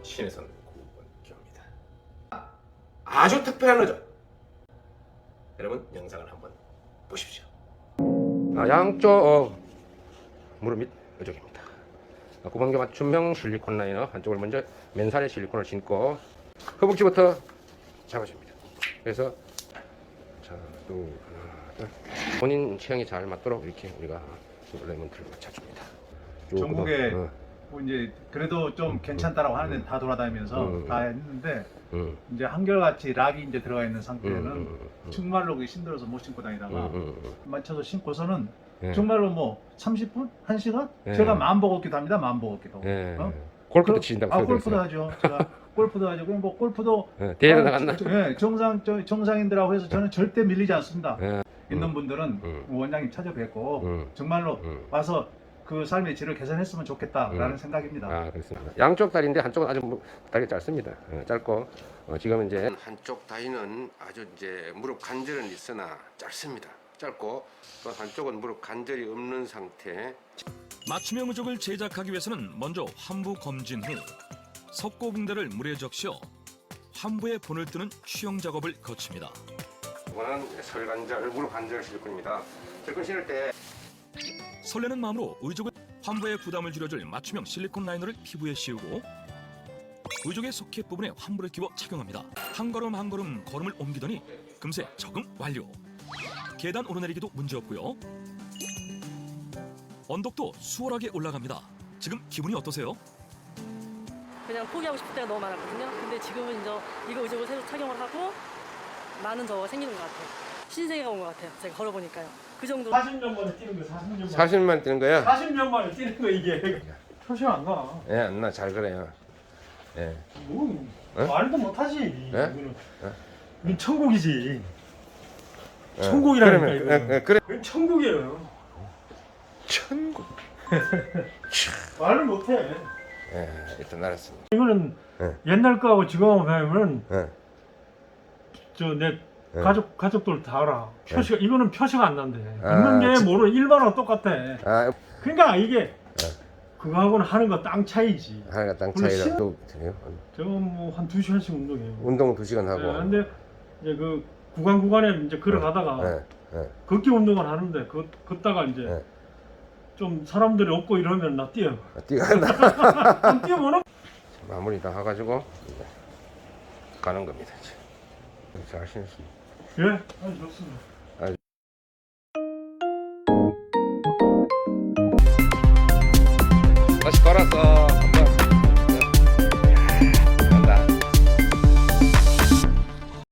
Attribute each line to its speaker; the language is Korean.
Speaker 1: 신혜선 구본교입니다. 아주 특별한 의전. 여러분 영상을 한번 보십시오. 양쪽 무릎 밑 의족입니다. 구본교 맞춤형 실리콘 라이너 한쪽을 먼저 맨살에 실리콘을 신고 허벅지부터 잡아줍니다. 그래서 자, 또 하나, 둘. 본인 체형이 잘 맞도록 이렇게 우리가 레몬트를 맞춰줍니다.
Speaker 2: 전국에 뭐 이제 그래도 좀 괜찮다라고 하는데 다 돌아다니면서 다 했는데 이제 한결같이 락이 이제 들어가 있는 상태는 정말로 그게 힘들어서 못 신고 다니다가 맞춰서 신고서는 정말로 뭐 30분? 1시간? 제가 마음 먹었기도 합니다. 마음 먹었기도.
Speaker 1: 골프도 치신다고.
Speaker 2: 골프도 하죠. 제가 골프도 하죠. 그럼 뭐 골프도
Speaker 1: 대회 나갔나?
Speaker 2: 정상인들하고 해서 저는 절대 밀리지 않습니다. 있는 분들은 원장님 찾아뵙고 정말로 와서 그 삶의 질을 개선했으면 좋겠다라는 생각입니다.
Speaker 1: 그렇습니다. 양쪽 다리인데 한쪽은 아주 다리가 짧습니다. 짧고 지금 이제 한쪽 다리는 아주 이제 무릎 관절은 있으나 짧습니다. 짧고 또 한쪽은 무릎 관절이 없는 상태.
Speaker 3: 맞춤형 의족을 제작하기 위해서는 먼저 환부 검진 후 석고붕대를 물에 적셔 환부에 본을 뜨는 취형 작업을 거칩니다.
Speaker 1: 이거는 설관절, 무릎 관절 실리콘입니다. 실리콘 신을 때
Speaker 3: 설레는 마음으로 의족을 환부의 부담을 줄여줄 맞춤형 실리콘 라이너를 피부에 씌우고 의족의 소켓 부분에 환부를 끼워 착용합니다. 한 걸음 한 걸음 걸음을 옮기더니 금세 적응 완료. 계단 오르내리기도 문제없고요. 언덕도 수월하게 올라갑니다. 지금 기분이 어떠세요?
Speaker 4: 그냥 포기하고 싶을 때가 너무 많았거든요. 근데 지금은 이제 이거 의족을 새로 착용을 하고 많은 저가 생기는 것 같아요. 신세계가 온 것 같아요. 제가 걸어보니까요. 그 정도.
Speaker 2: 40년 만에 뛰는 거 40년 만에.
Speaker 1: 40만 뛰는 거야?
Speaker 2: 40년 만에 뛰는 거 이게 표시가 안 나.
Speaker 1: 예, 안 나. 잘 그래요. 예.
Speaker 2: 뭐
Speaker 1: 어?
Speaker 2: 말도 못하지.
Speaker 1: 예?
Speaker 2: 이거는. 이건 천국이지.
Speaker 1: 예.
Speaker 2: 천국이라니까
Speaker 1: 그러면,
Speaker 2: 이거.
Speaker 1: 그래.
Speaker 2: 이건 천국이에요.
Speaker 1: 천국.
Speaker 2: 말을 못해.
Speaker 1: 예, 일단 알았습니다.
Speaker 2: 이거는
Speaker 1: 예.
Speaker 2: 옛날 거하고 지금 하면은
Speaker 1: 예.
Speaker 2: 저 내
Speaker 1: 예.
Speaker 2: 가족들 다 알아. 표시가 이거는 표시가 안 난대.
Speaker 1: 아,
Speaker 2: 있는 게 모르는 일반하고 똑같아.
Speaker 1: 아,
Speaker 2: 그러니까 이게 그거하고는 하는 거 땅 차이지.
Speaker 1: 하나가 땅
Speaker 2: 오늘
Speaker 1: 차이라
Speaker 2: 신-
Speaker 1: 또 돼요.
Speaker 2: 저건 뭐 한 2시간씩 운동해요.
Speaker 1: 운동 2시간 하고.
Speaker 2: 네, 근데 이제 그 구간에 이제 걸어가다가
Speaker 1: 예, 예.
Speaker 2: 걷기 운동을 하는데 걷다가 이제
Speaker 1: 네.
Speaker 2: 좀 사람들이 없고 이러면 나 뛰어.
Speaker 1: 뛰어간다.
Speaker 2: 좀 뛰어보나?
Speaker 1: 마무리 다 해가지고 이제 가는 겁니다. 이제. 잘 신었습니다.
Speaker 2: 예, 아주 좋습니다.
Speaker 1: 다시 걸었어.